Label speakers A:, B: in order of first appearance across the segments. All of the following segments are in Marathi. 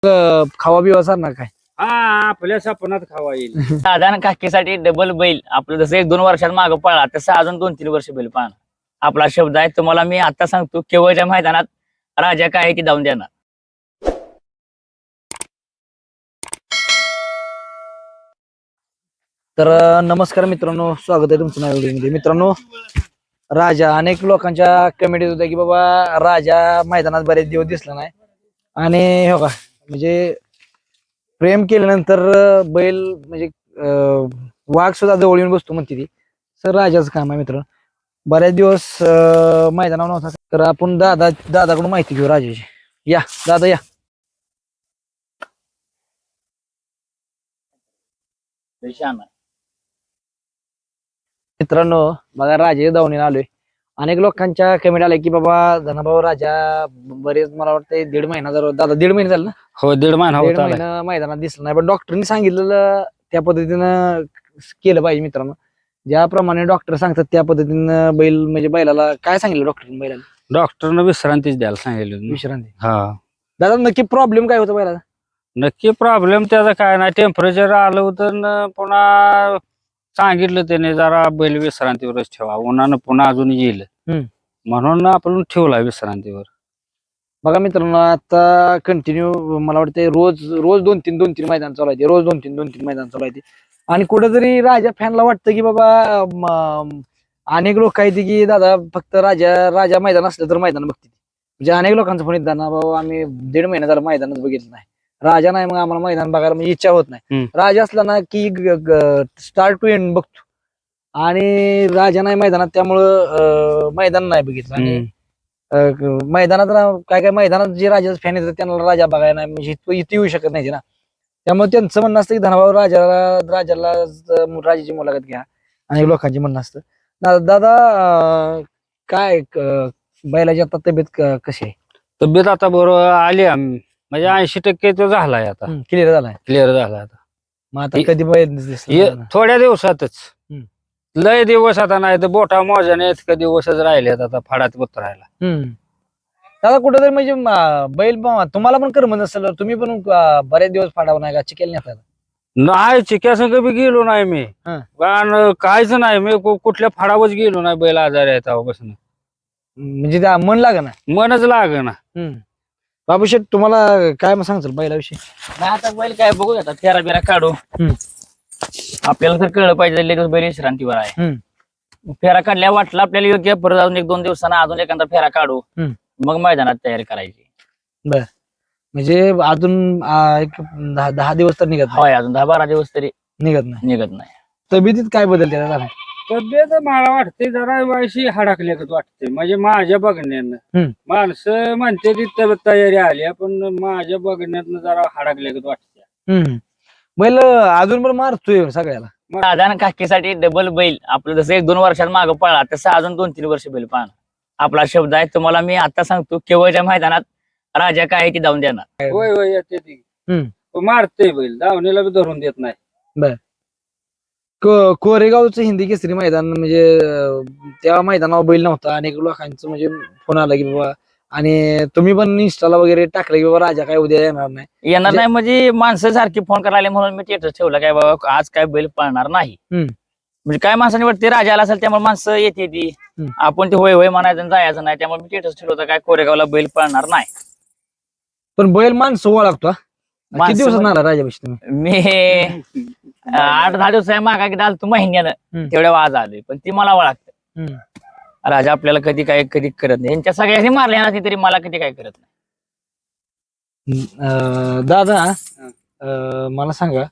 A: खावा बिवा सारणार काय?
B: हा आपल्या सपनात खावा येईल.
C: साधारण काकीसाठी डबल बैल आपलं जसं 1-2 वर्षात मागं पळला तसं अजून 2-3 वर्ष बैल पाहणार. आपला शब्द आहे तुम्हाला मी आता सांगतो, केवळच्या मैदानात राजा काय आहे ती धावून देणार.
A: तर नमस्कार मित्रांनो, स्वागत आहे तुमचं नव्या व्हिडिओमध्ये. मित्रांनो, राजा अनेक लोकांच्या कमेंट होत्या की बाबा राजा मैदानात बरेच दिवस दिसला नाही. आणि हो का म्हणजे प्रेम केल्यानंतर बैल म्हणजे वाघ सुद्धा जवळ येऊन बसतो म्हणते ती. सर राजाचं काम आहे मित्र. बऱ्याच दिवस मैदानावर नव्हता, तर आपण दादाकडून माहिती घेऊ राजाची. या दादा या. मित्रांनो बघा राजा धावणीला आलोय. अनेक लोकांच्या कमेंट आल्या की बाबा धनाभाऊ राजा बरेच मला वाटतं 1.5 महिना जर दादा 1.5 महिने झाले ना.
B: हो 1.5 महिना
A: 1.5
B: होता.
A: महिना मैदानात दिसला नाही, पण डॉक्टरनी सांगितलेलं त्या पद्धतीनं केलं पाहिजे. मित्रांनो ज्याप्रमाणे डॉक्टर सांगतात त्या पद्धतीनं बैल म्हणजे बैलाला काय सांगितलं डॉक्टरने? बैलाला
B: डॉक्टरनं विश्रांतीच द्यायला सांगितलं.
A: विश्रांती.
B: हा
A: दादा नक्की प्रॉब्लेम काय होता बैलाला?
B: नक्की प्रॉब्लेम त्याचा काय नाही, टेम्परेचर आलं होतं न पुन्हा सांगितलं त्याने जरा बैल विश्रांतीवरच ठेवा, उन्हानं पुन्हा अजून येईल म्हणून आपण ठेवला विश्रांतीवर.
A: बघा मित्रांनो, आता कंटिन्यू मला वाटतं रोज 2-3 मैदान चालू आहे, रोज 2-3 मैदान चालू आहे. आणि कुठेतरी राजा फॅनला वाटतं की बाबा अनेक लोक आहेत की दादा फक्त राजा मैदान असलं तर मैदान बघते. म्हणजे अनेक लोकांचं फोन येतात ना, बाबा आम्ही 1.5 महिना झाला मैदानच बघितलं नाही, राजा नाही, मग आम्हाला मैदान बघायला म्हणजे इच्छा होत नाही. राजा असला ना की स्टार्ट टू एंड बघतो, आणि राजा नाही मैदानात त्यामुळं मैदान नाही बघितलं. आणि मैदानात काय मैदानात जे राजाचं फॅन येतात त्यांना राजा बघायला नाही म्हणजे इथे येऊ शकत नाही ना. त्यामुळे त्यांचं म्हणणं असतं की धनाभाऊ राजाला राजाची मुलाखत घ्या. अनेक लोकांची म्हणणं असतं. दादा काय बैलाची आता तब्येत कशी आहे?
B: तब्येत आता बरोबर आली म्हणजे 80% तो झालाय आता,
A: क्लिअर झालाय.
B: क्लिअर झालाय आता.
A: मग आता कधी बैल
B: थोड्या दिवसातच, लय दिवस आता नाही तर बोटा मोजाने इतके दिवसच राहिलेत आता फाडात उतरायला.
A: दादा कुठेतरी म्हणजे बैल तुम्हाला पण कर्म नसेल, तुम्ही पण बरेच दिवस फाडावं नाही का चिकेल नाही?
B: नाही चिक्यासंग बी गेलो नाही मी, कारण काहीच नाही, मी कुठल्या फाडावरच गेलो नाही. बैल आजारी आहे तेव्हापासून,
A: म्हणजे त्या मन लाग ना,
B: मनच लाग ना.
A: बाबूशेठ तुम्हाला काय मग सांगचाल बैलाविषयी?
C: नाही आता बैल काय बघू आता, फेरा बिरा काढू. आपल्याला तर कळलं पाहिजे लगेच बैल विश्रांतीवर आहे. फेरा काढल्या वाटला आपल्याला योग्य, परत अजून 1-2 दिवसांना अजून एखादा फेरा काढू, मग मैदानात तयारी करायची.
A: बर, म्हणजे अजून एक 10 दिवस तर निघत नाही?
C: होय, अजून 10-12 दिवस तरी
A: निघत नाही. तब्येतीत काय बदलते दादा?
B: तब्येत मला वाटते जरा वायशी हडकल्यागत वाटते, म्हणजे माझ्या बघण्यानं. माणसं म्हणते ती तयारी आली, पण माझ्या बघण्यातनं जरा हडकल्यागत वाटते.
A: बैल अजून पण मारतोय सगळ्याला.
C: साधारण काकीसाठी डबल बैल आपलं जसं 1-2 वर्षात मागं पळला तसं अजून 2-3 वर्ष बैल पाहणार. आपला शब्द आहे तुम्हाला मी आता सांगतो, केवळच्या मैदानात राजा काय आहे ती धावून देणार.
B: होय होय येते ती, मारते बैल, धावणीला बी धरून देत नाही.
A: बर, कोरेगावचं हिंदी केसरी मैदान म्हणजे त्या मैदानावर बैल नव्हता. अनेक लोकांचं म्हणजे फोन आला की बाबा, आणि तुम्ही पण इंस्टाला वगैरे टाकलं की बाबा राजा काय उद्या येणार नाही
C: म्हणजे माणसं सारखी फोन करायला म्हणून मी स्टेटस ठेवलं काय बाबा आज काय बैल पळणार नाही. म्हणजे काय माणसाने वाटते राजा आला असेल त्यामुळे माणसं येते ती, आपण ते होय होय म्हणायचं जायचं नाही. त्यामुळे मी स्टेटस ठेवलं होतं काय कोरेगावला बैल पळणार नाही.
A: पण बैल माणसं ओळखतो. किती दिवसात आला राजापाशी तुम्ही?
C: मी 8-10 दिवस मागा की आलो तू महिन्यानं, तेवढ्या वाज आले, पण ती मला ओळखत. राजा आपल्याला कधी काय कधी करत नाही, यांच्या सगळ्यांनी मारल्या ना तरी मला कधी काय करत नाही.
A: दादा मला सांगा,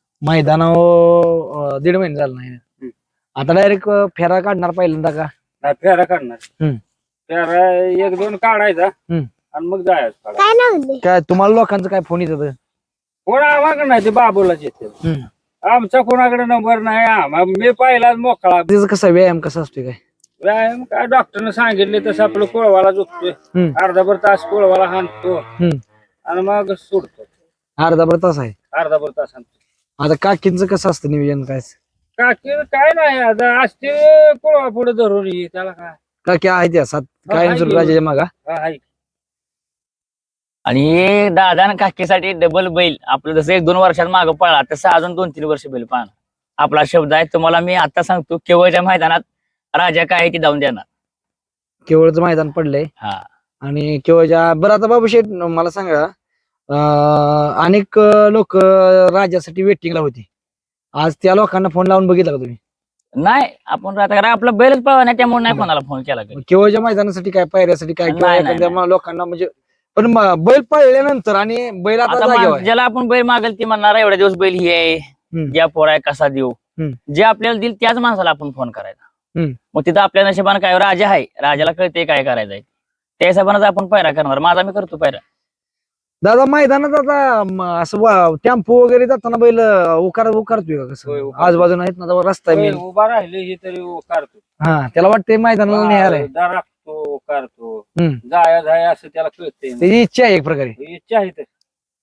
A: मैदानावर 1.5 महिने झाला नाही, आता डायरेक्ट फेरा काढणार पहिल्यांदा का?
B: नाही फेरा काढणार, फेरा 1-2 काढायचा आणि मग जायचं.
A: काय तुम्हाला लोकांचं काय फोन येत?
B: कोण आम्हाला नाही, ते बाबूलाच येते. आमचा कोणाकडे नंबर नाही, मी पहिलाच मोकळा.
A: त्याचा कसा व्यायाम कसा असतोय काय?
B: व्यायाम काय डॉक्टरने सांगितले तसं आपलं कोळवाला झोपतोय, अर्धाभर तास कोळवाला हाणतो आणि मग सोडतो.
A: अर्धाभर तास आहे?
B: अर्धाभर तास हाणतो.
A: आता काकींचं कसं असतं नियोजन काय?
B: काकी काय नाही, आता असते कोळवा पुढे धरून त्याला काय.
A: काकी आहे त्या सात काय राजाच्या मागा?
B: आहे
C: आणि हे दादा आणि काकीसाठी डबल बैल आपलं जसं 1-2 वर्षात मागं पळला तसं अजून 2-3 वर्ष बैल पाहणार. आपला शब्द आहे तुम्हाला मी आता सांगतो, केवळच्या मैदानात राजा काय आहे ती धावून देणार.
A: केवळचं मैदान पडलंय
C: हा
A: आणि केवळच्या बरं आता बाबू शेठ मला सांगा अनेक लोक राजासाठी वेटिंगला होते. आज त्या लोकांना फोन लावून बघितला का तुम्ही?
C: नाही आपण आता कारण आपला बैलच पळवा नाही त्यामुळे नाही कोणाला फोन केला कधी.
A: केवळच्या मैदानासाठी काय पायऱ्यासाठी काय किंवा
C: नाही, नाही,
A: एखाद्या लोकांना म्हणजे पण बैल पळल्यानंतर आणि बैल आता
C: आता
A: जागेवर आहे.
C: ज्याला आपण बैल मागेल ती म्हणणार एवढ्या दिवस बैल ही आहे, या पोर आहे कसा देऊ. जे आपल्याला दिल त्याच माणसाला आपण फोन करायचा. मग तिथं आपल्या नशिबानं काय राजा आहे, राजाला कळते काय करायचंय त्या हिशोबानं आपण पैरा करणार. माझा मी करतो पैरा.
A: दादा मैदानात आता असं टेम्पो वगैरे जाताना बैल उकारतोय का
B: होय,
A: कसं?
B: उकारतो.
A: आजूबाजूला आहेत ना जवळ रस्ता आहे main.
B: उभा राहिले हे तरी काढतो,
A: हा त्याला वाटतंय मैदानाला न्यायला
B: राखतो काढतो,
A: हम्म.
B: जाया असं त्याला कळते.
A: त्याची इच्छा आहे एक प्रकारे.
B: इच्छा आहे तर.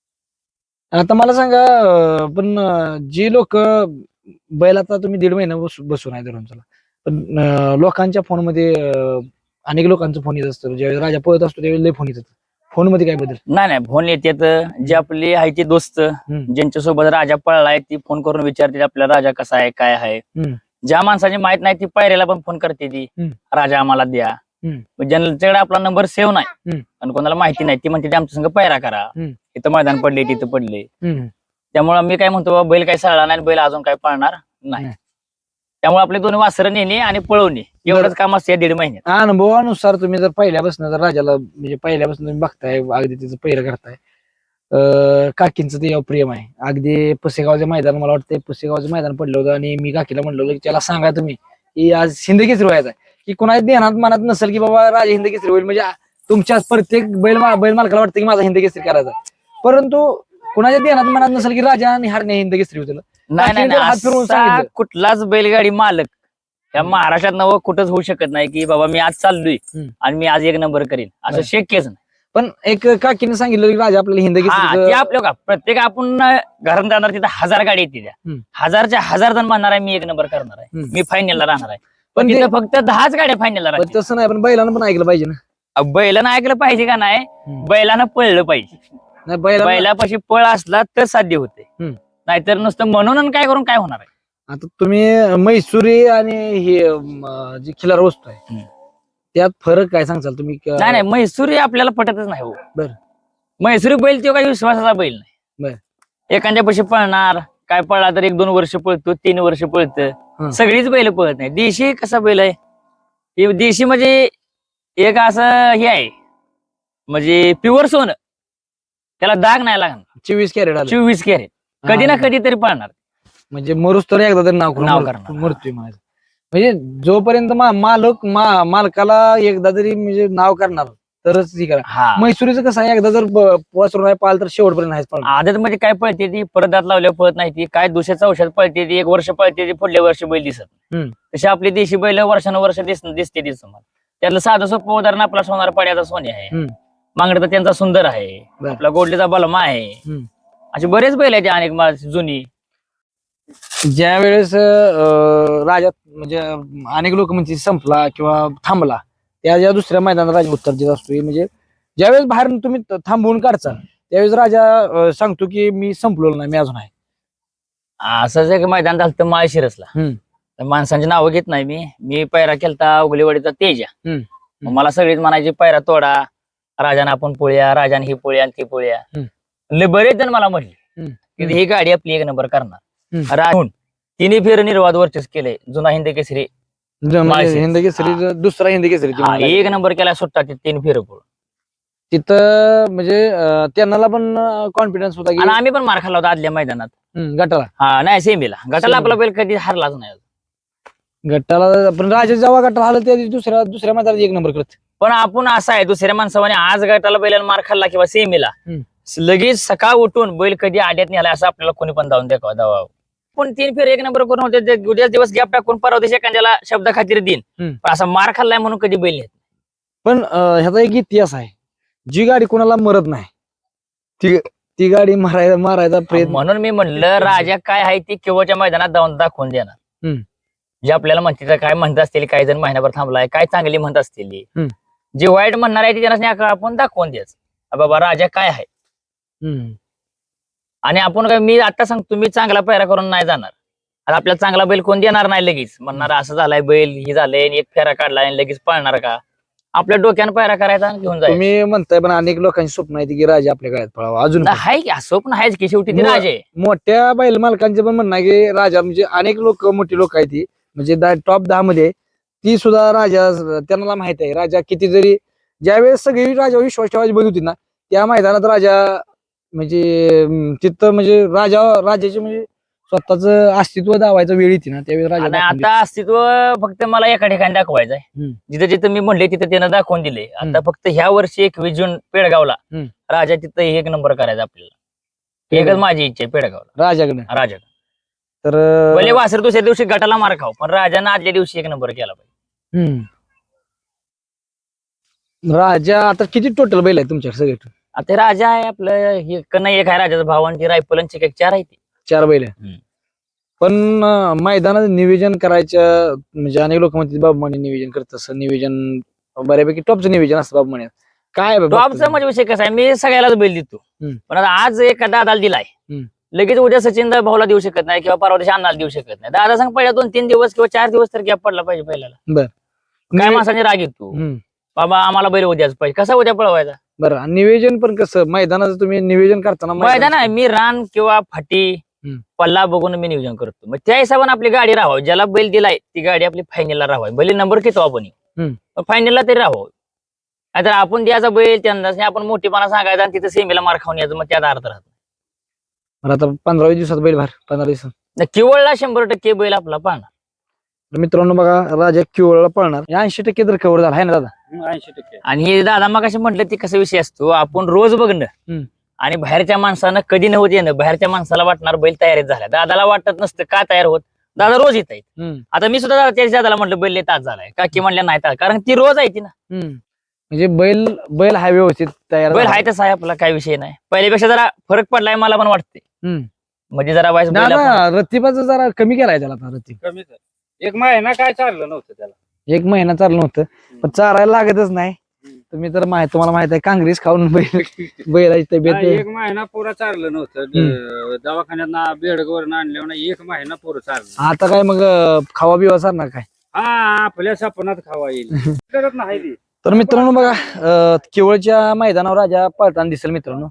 A: आता मला सांगा पण जी लोक बैल आता तुम्ही 1.5 महिना बसून आहे धरून चला पण लोकांच्या फोनमध्ये अनेक लोकांचा फोन येत असतो. ज्यावेळेस राजा पळत असतो त्यावेळेस लय फोन येतात. फोन मध्ये काय बदल?
C: नाही फोन येतात. जे आपले आहे ते दोस्त ज्यांच्या सोबत राजा पळलाय ती फोन करून विचारते आपला राजा कसा आहे काय आहे. ज्या माणसाची माहित नाही ती पायऱ्याला पण फोन करते ती राजा आम्हाला द्या. ज्यांच्याकडे आपला नंबर सेव्ह नाही आणि कोणाला माहिती नाही ती म्हणते आमच्या संग पायरा करा, इथं मैदान पडले तिथं पडले. त्यामुळे मी काय म्हणतो बाबा बैल काय सळला नाही, बैल अजून काय पळणार नाही. त्यामुळे आपले 2 वासरं नेणे आणि पळवणे एवढंच काम असते 1.5 महिन्यात.
A: अनुभवानुसार तुम्ही जर पहिल्यापासून जर राजाला म्हणजे पहिल्यापासून तुम्ही बघताय अगदी तिचं पहिरं करताय काकींचं ते प्रेम आहे. अगदी पुसेगावचं मैदान मला वाटतं पुसेगावचं मैदान पडलं होतं आणि मी काकीला म्हणलं होतं की त्याला सांगा तुम्ही की आज हिंद केसरी व्हायचा आहे की कुणाच्या ध्यानात मनात नसेल की बाबा राजा हिंद केसरी होईल म्हणजे तुमच्या प्रत्येक बैल मालकाला वाटतं की माझा हिंद केसरी करायचा, परंतु कुणाच्या ध्यानात मनात नसेल की राजा आणि हारणे हिंद केसरी होतील.
C: नाही हात फिरवून कुठलाच बैलगाडी मालक या महाराष्ट्रात नवं कुठंच होऊ शकत नाही की बाबा मी आज चाललोय आणि मी आज 1 नंबर करीन असं शक्यच नाही.
A: पण एक काकीने सांगितलं की राजा आपल्याला हिंद केसरी
C: आपलं का प्रत्येक आपण घरात जाणार तिथं 1000 गाडी येते त्या 1000च्या 1000 जण म्हणणार आहे मी 1 नंबर करणार आहे, मी फायनलला राहणार आहे. पण तिथं फक्त 10च गाड्या फायनलला राहतात.
A: तसं नाही पण बैलानं पण ऐकलं पाहिजे ना.
C: बैलानं ऐकलं पाहिजे का नाही, बैलानं पळलं पाहिजे. बैलापाशी पळ असला तर साध्य होते, नाहीतर नुसतं म्हणून काय करून काय होणार आहे.
A: आता तुम्ही मैसुरी आणि हे जी खिलार वस्तू आहे त्यात फरक काय सांगचाल तुम्ही?
C: नाही मैसुरी आपल्याला पटतच नाही हो.
A: बरं
C: मैसुरी बैल तो काही विश्वासाचा बैल नाही. एखाद्या पैसे पळणार काय पळला तर 1-2 वर्ष पळतो, 3 वर्ष पळतं. सगळीच बैल पळत नाही. देशी कसा बैल आहे, देशी म्हणजे एक असं हे आहे म्हणजे प्युअर सोनं, त्याला दाग नाही लागणार.
A: 24 कॅरेट
C: 24 कॅरेट कधी ना कधी तरी पळणार.
A: म्हणजे मरुस तर एकदा तरी नाव
C: करणार.
A: मरतोय माझं म्हणजे जोपर्यंत मालकाला एकदा तरी म्हणजे नाव करणार तरच ही करा. मैसुरीचं कसं आहे एकदा जर वासरू पाल तर शेवटपर्यंत नाहीच पळणार.
C: आदत मध्ये काय पळते ती परत दात लावल्यावर पळत नाही ती, काय दुसऱ्याचं औषध पळते ती 1 वर्ष पळते ती पुढल्या वर्षी बैल दिसत. तशी आपली देशी बैल वर्षानुवर्ष दिसते ती समोर. त्यातलं साधं सोपं उदाहरण आपला सोनार पाड्याचा सोने आहे, मांगडचा त्यांचा सुंदर आहे, आपला गोडलीचा बलमा आहे. असे बरेच बैल आहेत अनेक जुनी.
A: ज्या वेळेस राजा म्हणजे अनेक लोक म्हणजे संपला किंवा थांबला त्या ज्या दुसऱ्या मैदानात राजा उत्तर देत असतो. म्हणजे ज्यावेळेस बाहेर तुम्ही थांबवून काढचा त्यावेळेस राजा सांगतो की मी संपलो नाही, मी अजून आहे.
C: असंच एक मैदान झालं तर माळशिरसला. माणसांची नावं घेत नाही मी पैरा केलता उगलेवाडीचा तेजा. मला सगळीच म्हणायची पैरा तोडा, राजाने आपण पोळ्या, राजाने ही पोळ्या आणि ती पोळ्या. बरेच जण मला म्हटले की ही गाडी आपली 1 नंबर करणार. राहून 3 फेर निर्वाद वर्चस्व केले. जुना हिंद केसरी,
A: हिंद केसरी, दुसरा हिंद केसरी
C: 1 नंबर केला सुट्टा 3 फेर पळून.
A: तिथं म्हणजे त्यांना पण कॉन्फिडन्स होता की
C: आम्ही पण मार खाल्ला होता आदल्या मैदानात
A: गटाला.
C: नाही सेमीला. गटाला आपला बैल कधी हारलाच नाही.
A: गटाला पण राजा जेव्हा गटाला आला त्या दुसऱ्या मैदानात 1 नंबर करत.
C: पण आपण असं आहे दुसऱ्या माणसाने आज गटाला बैलाला मार खाल्ला किंवा सेमीला लगेच सकाळ उठून बैल कधी आड्यात नेला असं आपल्याला कोणी पण जाऊन दाखवा. पण 3 फेर 1 नंबर करून होते. उद्या दिवस गॅप टाकून परवा दिवशी एखाद्याला शब्द खातीर देईन, पण असा मार खाल्लाय म्हणून कधी बैल नेत.
A: पण ह्याचा एक इतिहास आहे, जी गाडी कोणाला मरत नाही ती गाडी मारायचा प्रयत्न.
C: म्हणून मी म्हणलं राजा काय आहे ती केवळच्या मैदानात जाऊन दाखवून देणार. जे आपल्याला म्हणते काय म्हणत असतील, काही जण महिनाभर थांबलाय, काय चांगली म्हणत असतील, जे वाईट म्हणणार आहे ते त्यांना आपण दाखवून द्यायचं. बाबा राजा काय आहे.
A: हम्म.
C: आणि आपण काय, मी आता सांगतो, मी चांगला पैरा करून नाही जाणार. आता आपल्याला चांगला बैल कोण देणार नाही लगेच, म्हणणार असं झालाय बैल, ही झालंय, आणि एक फेरा काढलाय आणि लगेच पळणार का. आपल्या डोक्यानं पैरा करायचा आणि घेऊन जायचं.
A: तुम्ही म्हणताय पण अनेक लोकांची स्वप्न आहे की राजा आपल्या गळ्यात पळावा अजून पण.
C: हाय की स्वप्न आहेच की, शेवटी ती राजा आहे.
A: मोठ्या बैल मालकांचे पण म्हणणं आहे की राजा म्हणजे अनेक लोक मोठी लोक आहेत ती म्हणजे टॉप 10 मध्ये ती सुद्धा राजा, त्यांना माहित आहे राजा किती जरी, ज्यावेळेस सगळी राजा विश्वास ठेवायची बंद होती ना त्या मैदानात राजा म्हणजे तिथं म्हणजे राजाचे म्हणजे स्वतःच अस्तित्व दावायचं वेळ येते ना त्यावेळेस राजा
C: आणि
A: दाखवून
C: आता अस्तित्व फक्त मला एका ठिकाणी दाखवायचं आहे.
A: हम्म.
C: जिथं जिथं मी म्हणले तिथं त्यानं दाखवून दिले. आता फक्त ह्या वर्षी 21 जून पेडगावला
A: हम्म.
C: राजा तिथं एक नंबर करायचा आपल्याला. एकच माझी इच्छा आहे पेडगावला
A: राजाकडे
C: राजा.
A: तर
C: भले वासर दुसऱ्या दिवशी गटाला मार खाऊ, पण राजानं आदल्या दिवशी एक नंबर केला पाहिजे.
A: राजा आता किती टोटल बैल आहे तुमच्या सगळे?
C: आता ते राजा आहे आपलं, हे नाही एक आहे राजाचा भाव, आणि ती रायफल आणि चिक 4 आहे ती.
A: 4 बैल आहे. पण मैदानात नियोजन करायचं म्हणजे अनेक लोक म्हणतात बाबा म्हणे नियोजन करत असं नियोजन बऱ्यापैकी टॉपचं नियोजन असतं बाबा म्हणे. काय आहे बाबा
C: टॉपचा म्हणजे विषय कसा आहे, मी सगळ्यालाच बैल देतो. पण आता आज एका दादाला दिलाय, लगेच उद्या सचिन भाऊला देऊ शकत नाही किंवा परवा दिवशी अण्णाला देऊ शकत नाही. दादा सांग पहिल्या 2-3 दिवस किंवा 4 दिवस तर गॅप पडला पाहिजे पहिल्याला.
A: बर.
C: काय माणसाने राग येतो, बाबा आम्हाला बैल उद्याच पाहिजे, कसा उद्या पळवायचा.
A: बरं नियोजन पण कसं मैदानाचं तुम्ही नियोजन करताना
C: मैदान आहे, मी रान किंवा फाटी पल्ला बघून मी नियोजन करतो. मग त्या हिशोबाने आपली गाडी राहावी, ज्याला बैल दिलाय ती गाडी आपली फायनलला राहावी. भले नंबर घेतो आपण फायनलला तरी राहावं. नाहीतर आपण द्यायचा बैल त्यांना आपण मोठेपणा सांगायचा आणि तिथे सेमीला मार खाऊन यायचं, मग त्यात अर्थ राहतो.
A: मला आता 15 दिवसात बैल भर 15 दिवसात
C: केवळला 100% बैल आपला पाहणार.
A: तर मित्रांनो बघा राजा किवळला पळणार 80% तर कव्हर झाला आहे ना दादा?
B: 80%.
C: आणि हे दादा मग असे म्हटलं ते कसा विषय असतो, आपण रोज बघणं आणि बाहेरच्या माणसानं कधी नव्हतं येणं. बाहेरच्या माणसाला वाटणार बैल तयारीत झाला, दादाला वाटत नसतं का तयार होत. दादा रोज येत आहेत. आता मी सुद्धा दादाला म्हटलं बैल तास झालाय, काकी म्हणल्या नाही तास, कारण ती रोज आहे ती ना.
A: म्हणजे बैल हा व्यवस्थित तयार
C: बैल आहे तसा आहे आपला, काय विषय नाही. पहिल्यापेक्षा जरा फरक पडलाय मला पण वाटते. म्हणजे जरा वाईस
A: रतिबाचं जरा कमी केलाय त्याला आता रतीब.
B: कमीच आहे. एक महिना काय चाललं नव्हतं त्याला.
A: 1 महिना चाललं नव्हतं पण चारायला लागतच नाही. तुम्ही तर तुम्हाला माहित आहे काँग्रेस खाऊन बैलाची तब्येत
B: 1 महिना पुरा चाललं नव्हतं. दवाखान्यात बेडगवर आणल्यावर 1 महिना पुरं चाललं.
A: आता काय मग खावा बिवा सारणार काय?
B: हा आपल्या सपनात खावा येईल करत नाही ती.
A: तर मित्रांनो बघा केवळच्या मैदानावर राजा पळताना दिसेल मित्रांनो.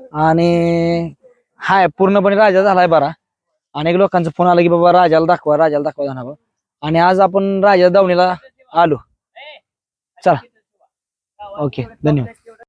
A: आणि हाय पूर्णपणे राजा झालाय बरा. अनेक लोकांचा फोन आला की बाबा राजाला दाखवा जाणार. आणि आज आपण राजा दावणीला आलो. चला ओके धन्यवाद.